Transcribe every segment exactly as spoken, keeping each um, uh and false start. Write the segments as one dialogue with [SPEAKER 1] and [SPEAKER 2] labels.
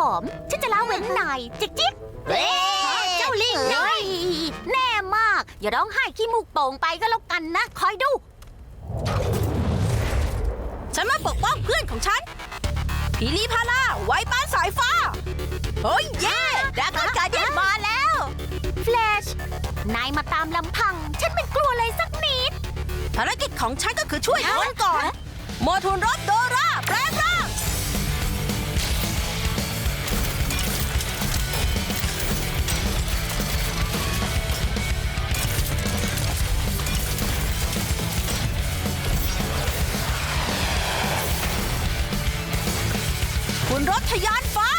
[SPEAKER 1] อมฉันจะละเว้นนายจิ๊กจิ๊กเฮ้เจ้าลิงเฮ้ยแน่มากอย่าร้องไห้ขี้มูกโป่งไปก็แล้วกันนะคอยดู
[SPEAKER 2] ฉันมาปกป้องเพื่อนของฉันพีลีพาราไว้ปานสายฟ้าเฮ้ยเย่ดราก้อนการ์เดียนมาแล้ว
[SPEAKER 1] แฟลชนายมาตามลำพังฉันไม่กลัวเลยสักนิด
[SPEAKER 2] ภารกิจของฉันก็คือช่วยคนก่อนโมทูนรถโดราแปลงร่างคุณรถทะยานฟ้า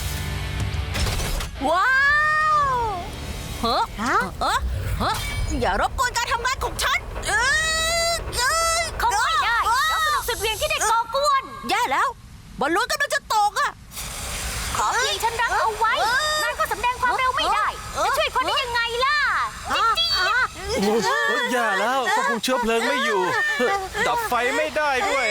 [SPEAKER 2] ว้าวเฮ้อเฮ้อเฮ้ออย่ารบกวนการทำงานของฉันเออเออ
[SPEAKER 1] เขาไม่ได้เราสนุกสุดเวียงที่เด็กก่อกวน
[SPEAKER 2] แย่แล้วบอลลูนกำลังจะตกอ่ะ
[SPEAKER 1] ขอเพียงฉันรักเอาไว้นายก็สำแดงความเร็วไม่ได้จะช่วยคนได้ยังไงล่ะจิ๊จี้
[SPEAKER 3] โอ้ยแย่แล้วควบคุมเชื้อเพลิงไม่อยู่ ดับไฟไม่ได้ด้วย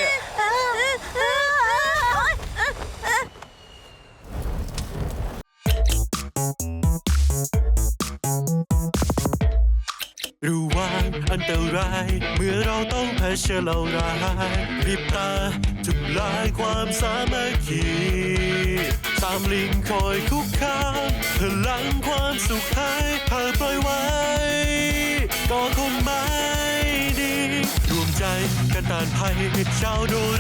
[SPEAKER 3] รู้ว่าอันตรายเมื่อเราต้องเผชิญเหล่าร้ายรีบตาทำลายความสามัคคีตามลิงคอยคุกคามพลังความสุขให้หากปล่อยไว้ก็คงไม่ดีรวมใจกันต้านภัยชาวโด